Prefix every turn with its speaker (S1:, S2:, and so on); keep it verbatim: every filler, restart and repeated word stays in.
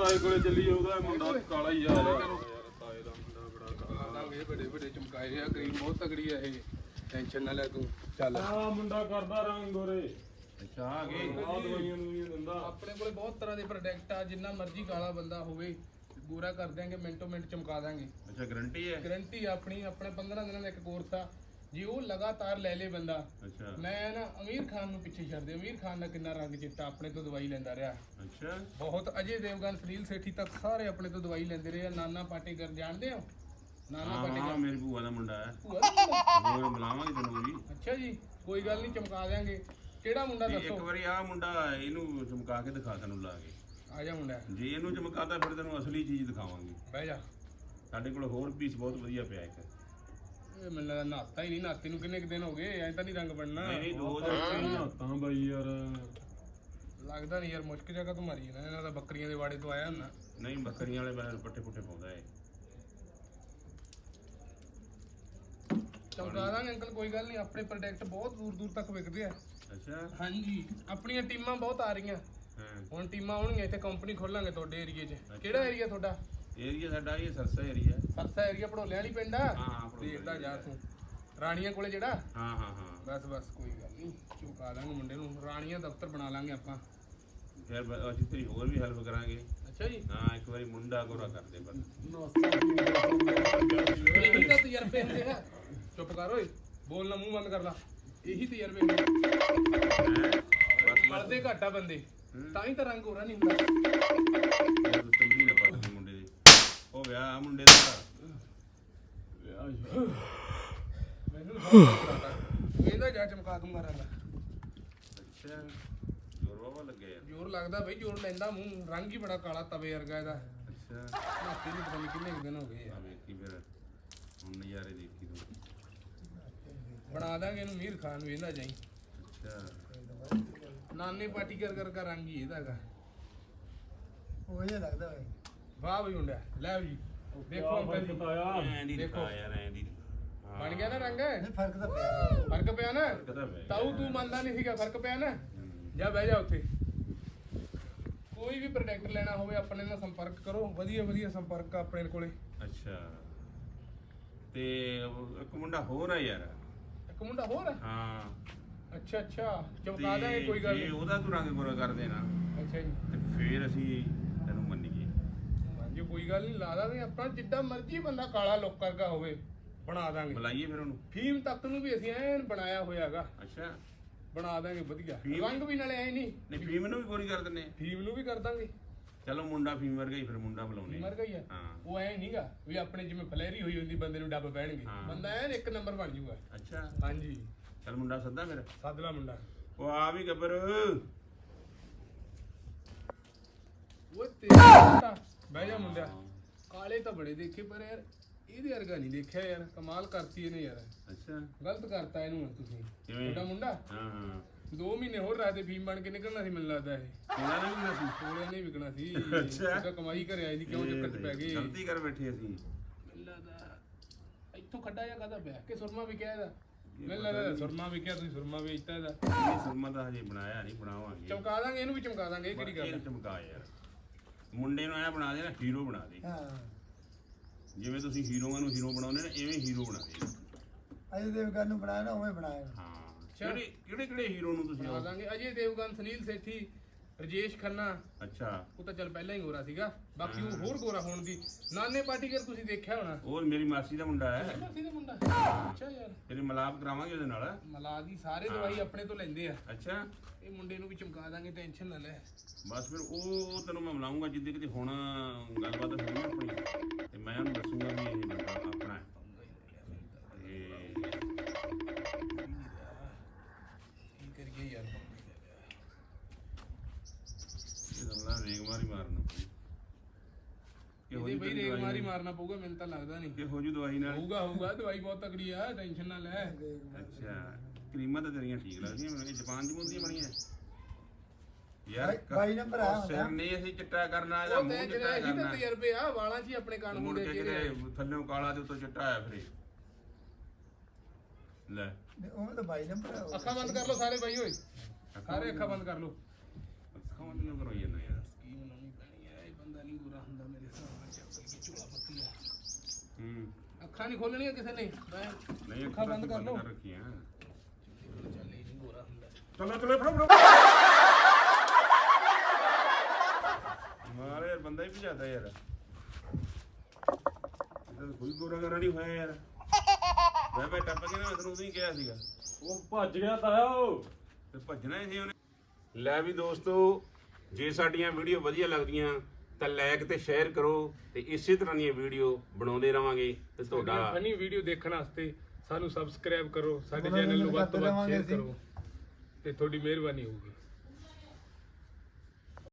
S1: ਤਾਏ ਕੋਲੇ ਚੱਲੀ ਉਹਦਾ ਮੁੰਡਾ ਕਾਲਾ ਹੀ ਯਾਰ ਤਾਏ ਦਾ ਮੁੰਡਾ ਬੜਾ ਕਾਲਾ
S2: ਲਾਂਗੇ ਵੱਡੇ ਵੱਡੇ ਚਮਕਾਏ ਆ ਕਰੀਮ ਬਹੁਤ ਤਗੜੀ ਆ ਇਹ ਟੈਨਸ਼ਨ ਨਾ ਲੈ ਤੂੰ ਚੱਲ
S1: ਆ ਮੁੰਡਾ ਕਰਦਾ ਰੰਗ ਗੋਰੇ
S3: ਅੱਛਾ ਆ ਗਏ
S1: ਆ ਦਵਾਈਆਂ ਨੂੰ ਦਿੰਦਾ
S2: ਆਪਣੇ ਕੋਲੇ ਬਹੁਤ ਤਰ੍ਹਾਂ ਦੇ ਪ੍ਰੋਡਕਟ ਆ ਜਿੰਨਾ ਮਰਜ਼ੀ ਕਾਲਾ ਬੰਦਾ ਹੋਵੇ ਗੋਰਾ ਕਰ ਦਿਆਂਗੇ ਮਿੰਟੋ ਮਿੰਟ ਚਮਕਾ ਦਾਂਗੇ
S3: ਅੱਛਾ ਗਾਰੰਟੀ ਹੈ
S2: ਗਾਰੰਟੀ ਆਪਣੀ ਆਪਣੇ ਪੰਦਰਾਂ ਦਿਨਾਂ ਦਾ ਇੱਕ ਕੋਰਸ ਆ ਜੇ ਉਹ ਲਗਾਤਾਰ ਲੈ ਲੇ ਬੰਦਾ
S3: ਅੱਛਾ
S2: ਮੈਂ ਨਾ ਅਮੀਰ ਖਾਨ ਨੂੰ ਪਿੱਛੇ ਛੱਡ ਦੇ ਅਮੀਰ ਖਾਨ ਦਾ ਕਿੰਨਾ ਰੰਗ ਚਿੱਟਾ ਆਪਣੇ ਤੋਂ ਦਵਾਈ ਲੈਂਦਾ ਰਿਹਾ
S3: ਅੱਛਾ
S2: ਬਹੁਤ ਅਜੇ ਦੇਵਗਨ ਸੁਨੀਲ ਸੇਠੀ ਤੱਕ ਸਾਰੇ ਆਪਣੇ ਤੋਂ ਦਵਾਈ ਲੈਂਦੇ ਰਹੇ ਆ ਨਾਨਾ ਪਾਟੇਕਰ ਜਾਣਦੇ ਹੋ ਨਾਨਾ
S3: ਹਾਂ
S2: ਪਾਟੇਕਰ
S3: ਮੇਰੀ ਭੂਆ ਦਾ ਮੁੰਡਾ ਹੈ
S2: ਭੂਆ ਦਾ ਮੁੰਡਾ?
S3: ਹੋਰ ਬੁਲਾਵਾਂਗੇ ਤੈਨੂੰ ਵੀ
S2: ਅੱਛਾ ਜੀ ਕੋਈ ਗੱਲ ਨਹੀਂ ਚਮਕਾ ਦਿਆਂਗੇ ਕਿਹੜਾ ਮੁੰਡਾ
S3: ਤੇ
S2: ਦੱਸੋ
S3: ਇੱਕ ਵਾਰੀ ਆ ਮੁੰਡਾ ਇਹਨੂੰ ਚਮਕਾ ਕੇ ਦਿਖਾ ਤੈਨੂੰ ਲਾ ਕੇ
S2: ਆ ਜਾ ਮੁੰਡਾ
S3: ਜੇ ਇਹਨੂੰ ਚਮਕਾਤਾ ਫਿਰ ਤੈਨੂੰ ਅਸਲੀ ਚੀਜ਼ ਦਿਖਾਵਾਂਗੇ
S2: ਬਹਿ ਜਾ
S3: ਸਾਡੇ ਕੋਲ ਹੋਰ ਪੀਸ ਬਹੁਤ ਵਧੀਆ ਪਿਆ ਇੱਕ
S2: ਇਹ ਮੈਨੂੰ ਲੱਗਦਾ ਨਹਾਤਾ ਹੀ ਨਹੀਂ ਨਹਾਤੇ ਨੂੰ ਕਿੰਨੇ ਕੁ ਦਿਨ ਹੋ ਗਏ ਐਂ ਤਾਂ ਨਹੀਂ ਰੰਗ ਬਣਨਾ
S3: ਨਹੀਂ ਨਹੀਂ ਦੋ ਦਿਨ
S1: ਤਾਂ ਬਾਈ ਯਾਰ
S2: ਲੱਗਦਾ ਨਹੀਂ ਯਾਰ ਮੁਸ਼ਕ ਜਗ੍ਹਾ ਤੋਂ ਮਾਰੀ ਨਾ ਇਹਨਾਂ ਦਾ ਬੱਕਰੀਆਂ ਦੇ ਵਾੜੇ ਤੋਂ ਆਇਆ ਹੁੰਦਾ
S3: ਨਹੀਂ ਬੱਕਰੀਆਂ ਵਾਲੇ ਬਾਹਰ ਪੱਠੇ ਪੁੱਠੇ ਪਾਉਂਦਾ ਏ
S2: ਚਮਕਾ ਦਾਂਗੇ ਅੰਕਲ ਕੋਈ ਗੱਲ ਨਹੀਂ ਆਪਣੇ ਪ੍ਰੋਡਕਟ ਬਹੁਤ ਦੂਰ ਦੂਰ ਤੱਕ ਵਿਕਦੇ ਆ
S3: ਅੱਛਾ
S2: ਹਾਂਜੀ ਆਪਣੀਆਂ ਟੀਮਾਂ ਬਹੁਤ ਆ ਰਹੀਆਂ
S3: ਹਾਂ
S2: ਹੁਣ ਟੀਮਾਂ ਆਉਣਗੀਆਂ ਇੱਥੇ ਕੰਪਨੀ ਖੋਲਾਂਗੇ ਤੁਹਾਡੇ ਏਰੀਏ 'ਚ ਕਿਹੜਾ ਏਰੀਆ ਤੁਹਾਡਾ
S3: ਏਰੀਆ ਸਾਡਾ ਇਹ ਸਰਸਾ ਏਰੀਆ
S2: ਸਰਸਾ ਏਰੀਆ ਭੜੋਲਿਆਂ ਵਾਲੀ ਪਿੰਡ ਆ
S3: ਹਾਂ
S2: ਦੇਖਦਾ ਜਾ ਤੂੰ ਰਾਣੀਆਂ ਕੋਲੇ ਜਿਹੜਾ
S3: ਹਾਂ ਹਾਂ ਹਾਂ
S2: ਬਸ ਬਸ ਕੋਈ ਗੱਲ ਨਹੀਂ ਚੁਕਾ ਦਾਂਗੇ ਮੁੰਡੇ ਨੂੰ ਰਾਣੀਆਂ ਦਫ਼ਤਰ ਬਣਾ ਲਾਂਗੇ ਆਪਾਂ
S3: ਫਿਰ ਬ- ਅਸੀਂ ਤੇਰੀ ਹੋਰ ਵੀ ਹੈਲਪ ਕਰਾਂਗੇ
S2: ਅੱਛਾ ਜੀ
S3: ਹਾਂ ਇੱਕ ਵਾਰੀ ਮੁੰਡਾ ਗੋਰਾ ਕਰਦੇ ਪਰ
S2: ਇਹੀ ਤਾਂ ਤਜਰਬੇ ਹੁੰਦੇ ਆ ਚੁੱਪ ਕਰ ਓਏ ਬੋਲਣਾ ਮੂੰਹ ਬੰਦ ਕਰ ਲਾ ਇਹੀ ਤਜਰਬੇ ਹੁੰਦੇ
S3: ਬਸ
S2: ਮਰਦੇ ਘੱਟ ਆ ਬੰਦੇ ਤਾਂ ਹੀ ਤਾਂ ਰੰਗ ਹੋਰਾ ਨਹੀਂ ਹੁੰਦਾ
S3: ਤੂੰ ਚੰਗੀ ਨਾ ਪੱਟ ਮੁੰਡੇ ਦੀ ਉਹ ਵਿਆਹ ਆ ਮੁੰਡੇ ਦਾ
S2: ਮੈਨੂੰ ਸਭ ਇਹਦਾ ਜਾ ਚਮਕਾ ਦੂੰਗਾ ਰੰਗ
S3: ਅੱਛਾ ਜ਼ੋਰ ਬਾਬਾ ਲੱਗੇ ਯਾਰ
S2: ਜ਼ੋਰ ਲੱਗਦਾ ਬਈ ਜ਼ੋਰ ਲੈਂਦਾ ਮੂੰਹ ਰੰਗ ਹੀ ਬੜਾ ਕਾਲਾ ਤਵੇ ਵਰਗਾ ਇਹਦਾ
S3: ਅੱਛਾ
S2: ਨਾਤੀ ਨੂੰ ਪਤਾ ਨਹੀਂ ਕਿੰਨੇ ਕੁ ਦਿਨ ਹੋ ਗਏ
S3: ਆ
S2: ਆ
S3: ਵੇਖੀ ਫਿਰ ਹੁਣ ਨਜ਼ਾਰੇ ਦੇਖੀ ਤੂੰ
S2: ਬਣਾ ਦਾਂਗੇ ਇਹਨੂੰ ਮੀਰ ਖਾਨ ਵੀ ਇਹਦਾ ਜਾਈ
S3: ਅੱਛਾ
S2: ਨਾਨੇ ਪਾਰਟੀ ਕਰ ਕਰ ਕਰ ਰੰਗ ਹੀ ਇਹਦਾ ਹੈਗਾ
S4: ਉਹ ਜਿਹਾ ਲੱਗਦਾ ਵੇ
S2: ਵਾਹ ਬਈ ਮੁੰਡਿਆ ਲੈ ਜੀ ਦੇਖੋ ਅੰਕਲ ਜੀ
S1: ਬਤਾਇਆ
S3: ਐਂ ਦੀ
S2: ਦੇਖੋ।
S3: ਦਿਖਾ ਯਾਰ ਐਂ ਦੀ ਹਾਂ।
S2: ਬਣ ਗਿਆ ਨਾ ਰੰਗ
S4: ਨਹੀਂ ਫਰਕ ਤਾਂ ਪਿਆ
S2: ਫਰਕ ਪਿਆ ਨਾ
S3: ਪਤਾ ਪੈ
S2: ਤਾਊ ਤੂੰ ਮੰਨਦਾ ਨਹੀਂ ਸੀਗਾ ਫਰਕ ਪਿਆ ਨਾ
S3: ਹੂੰ।
S2: ਜਾ ਬਹਿ ਜਾ ਉੱਥੇ ਕੋਈ ਵੀ ਪ੍ਰੋਡਕਟ ਲੈਣਾ ਹੋਵੇ ਆਪਣੇ ਨਾਲ ਸੰਪਰਕ ਕਰੋ ਵਧੀਆ ਵਧੀਆ ਸੰਪਰਕ ਆ ਆਪਣੇ ਕੋਲੇ
S3: ਅੱਛਾ ਤੇ ਉਹ ਇੱਕ ਮੁੰਡਾ ਹੋਰ ਆ ਯਾਰ
S2: ਇੱਕ ਮੁੰਡਾ ਹੋਰ ਆ
S3: ਹਾਂ
S2: ਅੱਛਾ ਅੱਛਾ ਚਮਕਾ ਦਾਂਗੇ ਕੋਈ ਗੱਲ
S3: ਜੇ
S2: ਨਹੀਂ
S3: ਉਹਦਾ ਤੂੰ ਰੰਗ ਗੋਰਾ ਕਰ ਦੇਣਾ
S2: ਅੱਛਾ ਜੀ
S3: ਤੇ ਫੇਰ ਅਸੀਂ ਤੈਨੂੰ ਮੰਨੀਏ
S2: ਹਾਂਜੀ ਕੋਈ ਗੱਲ ਨਹੀਂ ਲਾ ਦਾਂਗੇ ਆਪਾਂ ਜਿੱਦਾਂ ਮਰਜ਼ੀ ਬੰਦਾ ਕਾਲਾ ਲੁੱਕ ਕਰਦਾ ਹੋਵੇ ਬਣਾ ਦਾਂਗੇ
S3: ਬੁਲਾਈਏ ਫਿਰ ਉਹਨੂੰ
S2: ਫੀਮ ਤੱਕ ਨੂੰ ਵੀ ਅਸੀਂ ਐਨ ਬਣਾਇਆ ਹੋਇਆਗਾ
S3: ਅੱਛਾ
S2: ਬਣਾ ਦਾਂਗੇ ਵਧੀਆ
S3: ਫੀਮ?
S2: ਰੰਗ ਵੀ ਨਾਲੇ ਐ ਨਹੀਂ
S3: ਨਹੀਂ ਫੀਮ ਨੂੰ ਵੀ ਗੋਰੀ ਕਰ ਦਿੰਨੇ ਆ।
S2: ਫੀਮ ਨੂੰ ਵੀ ਕਰ ਦਾਂਗੇ
S3: ਚਲੋ ਮੁੰਡਾ ਫੀਮ ਵਰਗਾ ਹੀ ਫਿਰ ਮੁੰਡਾ ਬੁਲਾਉਣੇ
S2: ਮਰ ਗਈ ਆ
S3: ਹਾਂ
S2: ਉਹ ਐ ਨਹੀਂਗਾ ਵੀ ਆਪਣੇ ਜਿਵੇਂ ਫਲੈਰੀ ਹੋਈ ਹੁੰਦੀ ਬੰਦੇ ਨੂੰ ਡੱਬ ਪੈਣਗੇ
S3: ਹਾਂ।
S2: ਬੰਦਾ ਐਨ ਇੱਕ ਨੰਬਰ ਬਣ ਜਾਊਗਾ
S3: ਅੱਛਾ
S2: ਹਾਂਜੀ
S3: ਚਲ ਮੁੰਡਾ ਸੱਦਾ ਫਿਰ
S2: ਸਾਦਲਾ ਮੁੰਡਾ
S3: ਉਹ ਆ ਵੀ ਗੱਬਰ
S2: ਉਹ ਤੇਰਾ ਬਹਿ ਜਾ ਮੁੰਡਿਆ ਕਾਲੇ ਤਾਂ ਬੜੇ ਦੇਖੇ ਪਰ ਯਾਰ ਇਹਦੇ ਵਰਗਾ ਨਹੀਂ ਦੇਖਿਆ ਯਾਰ ਕਮਾਲ ਕਰਤੀ ਇਹਨੇ ਯਾਰ
S3: ਅੱਛਾ
S2: ਗਲਤ ਕਰਤਾ ਇਹਨੂੰ ਹੁਣ ਤੁਸੀਂ
S3: ਕਿਵੇਂ?
S2: ਤੁਹਾਡਾ ਮੁੰਡਾ
S3: ਹਾਂ ਹਾਂ
S2: ਦੋ ਮਹੀਨੇ ਹੋਰ ਰਾਤੇ ਫੀਮ ਬਣ ਕੇ ਨਿਕਲਣਾ ਸੀ ਮੈਨੂੰ ਲੱਗਦਾ ਇਹ
S3: ਕਿਹੜਾ ਨਹੀਂ ਹੁੰਦਾ ਸੀ
S2: ਕੋਲਿਆਂ ਨੇ ਵਿਕਣਾ ਸੀ
S3: ਅੱਛਾ।
S2: ਉਹਦਾ ਕਮਾਈ ਘਰੇ ਆਈ ਦੀ ਕਿਉਂ ਚੱਕਰ ਚ ਪੈ ਗਏ
S3: ਗਲਤੀ ਕਰ ਬੈਠੇ ਅਸੀਂ
S2: ਮੈਨੂੰ ਲੱਗਦਾ ਇੱਥੋਂ ਖੱਡਾ ਜਾਂ ਕਾਹਦਾ ਪਿਆ ਕਿ ਸੁਰਮਾ ਵਿਕਿਆ ਇਹਦਾ ਮੈਨੂੰ ਲੱਗਦਾ ਸੁਰਮਾ ਵਿਕਿਆ ਤੁਸੀਂ ਸੁਰਮਾ ਵੇਚਤਾ ਇਹਦਾ
S3: ਇਹ ਸੁਰਮਾ ਤਾਂ ਹਜੇ ਬਣਾਇਆ ਨਹੀਂ ਬਣਾਵਾਂਗੇ
S2: ਚਮਕਾ ਦਾਂਗੇ ਇਹਨੂੰ ਵੀ ਚਮਕਾ ਦਾਂਗੇ ਇਹ ਕਿਹੜੀ ਗੱਲ
S3: ਇਹ
S2: ਆ?
S3: ਚਮਕਾ ਯਾਰ ਮੁੰਡੇ ਨੂੰ ਐ ਬਣਾ ਦੇ ਨਾ ਹੀਰੋ ਬਣਾ ਦੇ
S4: ਹਾਂ
S3: ਜਿਵੇਂ ਤੁਸੀਂ ਹੀਰੋਆਂ ਨੂੰ ਹੀਰੋ ਬਣਾਉਂਦੇ ਨੇ ਐਵੇਂ ਹੀਰੋ ਬਣਾ ਦੇ
S4: ਅਜੇ ਦੇਵਗਨ ਨੂੰ ਬਣਾਇਆ ਨਾ ਉਵੇਂ ਬਣਾਇਆ
S3: ਹਾਂ ਕਿਹੜੇ ਕਿਹੜੇ ਕਿਹੜੇ ਹੀਰੋ ਨੂੰ ਤੁਸੀਂ
S2: ਬਣਾ ਦਾਂਗੇ ਅਜੇ ਦੇਵਗਨ ਸੁਨੀਲ ਸੇਠੀ ਰਜੇਸ਼ ਖੰਨਾ
S3: ਅੱਛਾ
S2: ਉਹ ਤਾਂ ਚੱਲ ਪਹਿਲਾਂ ਹੀ ਗੋਰਾ ਸੀਗਾ ਬਾਕੀ ਉਹ ਹੋਰ ਗੋਰਾ ਹੋਣ ਦੀ ਨਾਨੇ ਪਾਟੀਕਰ ਤੁਸੀਂ ਦੇਖਿਆ ਹੋਣਾ
S3: ਉਹ ਮੇਰੀ ਮਾਸੀ ਦਾ ਮੁੰਡਾ ਹੈ
S2: ਮਾਸੀ ਦਾ ਮੁੰਡਾ ਅੱਛਾ ਯਾਰ
S3: ਤੇਰੇ ਮਲਾਪ ਕਰਾਵਾਂਗੇ ਉਹਦੇ ਨਾਲ
S2: ਮਲਾ ਦੀ ਸਾਰੇ ਦਵਾਈ ਆਪਣੇ ਤੋਂ ਲੈਂਦੇ ਆ
S3: ਅੱਛਾ
S2: ਇਹ ਮੁੰਡੇ ਨੂੰ ਵੀ ਚਮਕਾ ਦਾਂਗੇ ਟੈਨਸ਼ਨ ਨਾ ਲੈ
S3: ਬਸ ਫਿਰ ਉਹ ਤੈਨੂੰ ਮੈਂ ਮਿਲਾਉਂਗਾ ਜਿੱਦੇ ਕਿਤੇ ਹੁਣ ਗੱਲਬਾਤ ਹੋਈ ਨਾ ਆਪਣੀ ਤੇ ਮੈਂ ਉਹਨੂੰ ਦੱਸੂਗਾ ਵੀ ਇਹ ਬੰਦਾ ਆਪਣਾ ਹੈ ਤੇ
S2: ਕੀ ਕਰੀਏ ਯਾਰ
S3: ਇਹ ਦਮਲਾ ਰੇਗ ਮਾਰੀ ਮਾਰਨਾ
S2: ਇਹਦੇ ਬਈ ਰੇਗ ਮਾਰੀ ਮਾਰਨਾ ਪਊਗਾ ਮੈਨੂੰ ਤਾਂ ਲੱਗਦਾ ਨਹੀਂ
S3: ਕਿ ਹੋ ਜੂ ਦਵਾਈ ਨਾਲ
S2: ਹੋਊਗਾ ਹੋਊਗਾ ਦਵਾਈ ਬਹੁਤ ਤਕੜੀ ਆ ਟੈਨਸ਼ਨ ਨਾ ਲੈ
S3: ਅੱਛਾ ਕਰੀਮਾਂ ਤਾਂ ਤੇਰੀਆਂ ਠੀਕ ਲੱਗਦੀਆਂ ਮੈਨੂੰ ਇਹ ਜਾਪਾਨ ਦੀ ਮੁੰਦੀਆਂ ਬਣੀਆਂ ਯਾਰ
S4: ਬਾਈ ਨੰਬਰ ਆ
S3: ਉਹ ਸਿਰ ਨਹੀਂ ਅਸੀਂ ਚਿੱਟਾ ਕਰਨਾ ਇਹਦਾ
S2: ਉਹ
S3: ਮੂੰਹ
S2: ਤੇ
S3: ਚਿੱਟਾ
S2: ਜਿਹੜੇ ਇਹੀ ਤਾਂ
S3: ਕਰਨਾ
S2: ਤਜਰਬੇ ਆ ਵਾਲਾਂ 'ਚ ਹੀ ਆਪਣੇ ਕੰਨ
S3: ਮੁੜ
S2: ਹੁੰਦੇ
S3: ਕੇ
S2: ਜਿਹੜੇ
S3: ਕਿਤੇ ਥੱਲੇੋਂ ਕਾਲਾ ਤੇ ਉੱਤੋਂ ਚਿੱਟਾ ਆਇਆ ਫਿਰ ਲੈ
S4: ਉਵੇਂ ਤਾਂ ਬਾਈ ਨੰਬਰ ਆ
S2: ਅੱਖਾਂ ਬੰਦ ਕਰ ਲਓ ਸਾਰੇ ਬਾਈ ਓਏ ਸਾਰੇ ਅੱਖਾਂ ਬੰਦ ਕਰ ਲਓ
S3: ਅੱਖਾਂ ਬੰਦ ਕਿਉਂ ਕਰਵਾਈ ਜਾਂਦਾ ਯਾਰ
S2: ਕੀ ਬਣਾਉਣੀ ਪੈਣੀ ਆ ਇਹ ਬੰਦਾ ਨਹੀਂ ਅੱਖਾਂ ਨਹੀਂ ਖੋਲਣੀਆਂ ਕਿਸੇ ਨੇ ਮੈਂ
S3: ਨਹੀਂ
S2: ਅੱਖਾਂ ਬੰਦ ਕਰ ਲਓ।
S3: ਰੱਖੀਆਂ
S2: ਚੱਲ ਇਹ ਨਹੀਂ ਗੋਰਾ ਹੁੰਦਾ
S3: ਚਲੋ ਚਲੋ ਫੜੋ ਫੜੋ ਮਾਰੇ ਯਾਰ ਬੰਦਾ ਹੀ ਭਜਾਦਾ ਯਾਰ ਇਹਦਾ ਕੋਈ ਗੋਰਾ ਗੋਰਾ ਨਹੀਂ ਹੋਇਆ ਯਾਰ ਮੈਂ ਬੈ ਟੱਪ ਕੇ ਨਾ ਮੈਂ ਤੈਨੂੰ ਉਦੋਂ ਹੀ ਕਿਹਾ ਸੀਗਾ
S1: ਉਹ ਭੱਜ ਗਿਆ ਤਾਇਆ ਉਹ
S3: ਤੇ ਭੱਜਣਾ ਹੀ ਸੀ ਉਹਨੇ। ਲੈ ਵੀ ਦੋਸਤੋ, ਜੇ ਸਾਡੀਆਂ ਵੀਡੀਓ ਵਧੀਆ ਲੱਗਦੀਆਂ ਤਾਂ ਲਾਈਕ ਤੇ ਸ਼ੇਅਰ ਕਰੋ ਤੇ ਇਸੇ ਤਰ੍ਹਾਂ ਦੀਆਂ ਵੀਡੀਓ ਬਣਾਉਂਦੇ ਰਵਾਂਗੇ ਤੇ ਤੁਹਾਡਾ
S2: ਫਨੀ ਵੀਡੀਓ ਦੇਖਣ ਵਾਸਤੇ ਸਾਨੂੰ ਸਬਸਕ੍ਰਾਈਬ ਕਰੋ, ਸਾਡੇ
S4: ਮਨੋਰੰਜਨ
S2: ਚੈਨਲ ਨੂੰ ਵੱਧ ਤੋਂ
S4: ਕਰਦੇ
S2: ਵੱਧ ਸ਼ੇਅਰ
S4: ਰਵਾਂਗੇ ਅਸੀਂ।
S2: ਕਰੋ ਤੇ ਤੁਹਾਡੀ ਮਿਹਰਬਾਨੀ ਹੋਊਗੀ।